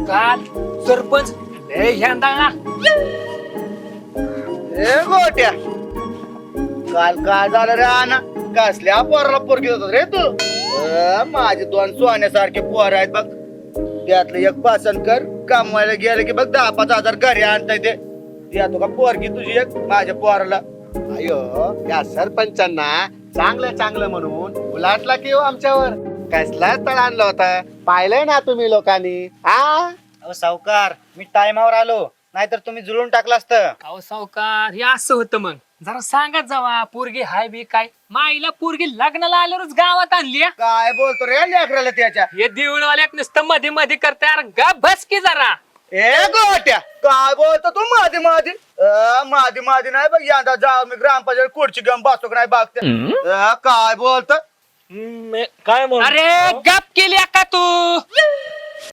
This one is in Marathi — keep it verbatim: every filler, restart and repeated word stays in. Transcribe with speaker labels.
Speaker 1: काल सरपंच लय ह्यांदा
Speaker 2: ए गोट्या काल काय झालं रे आणा कसल्या पोराला पोरगी होत रे तू अ, माझे दोन सोन्यासारखे पोर आहेत बघ त्यातलं एक पासन कर कमवायला गेलं की बघ दहा पाच हजार घरी आणता येते देतो का पोरगी तुझी एक माझ्या पोराला
Speaker 3: अयो या सरपंचांना चांगलं चांगलं म्हणून उलाटला की हो आमच्यावर कसला तळ आणला होता पाहिलंय ना तुम्ही लोकांनी आ
Speaker 2: अहो सावकार मी टायमावर आलो नाहीतर तुम्ही जुळून टाकलं असतं
Speaker 1: अहो सावकार हे असं होतं मग जरा सांगत जावा पोरगी हाय बी काय माईला पोरगी लग्नाला आल्यावरच गावात आणली हा.
Speaker 2: काय बोलतो रे लेकराला त्याच्या
Speaker 1: हे देऊळवाल्यात नुसतं मध्ये मध्ये करताय अरे गा बस की जरा
Speaker 2: ए गोट्या काय बोलतो तू माझी माझी अ, माझी माझी नाही बघ यंदा जाऊ मी ग्रामपंचायत खुर्ची घेऊन बसतो का नाही बघते अ, काय बोलतो
Speaker 4: काय म्हणून
Speaker 1: अरे गप केली का तू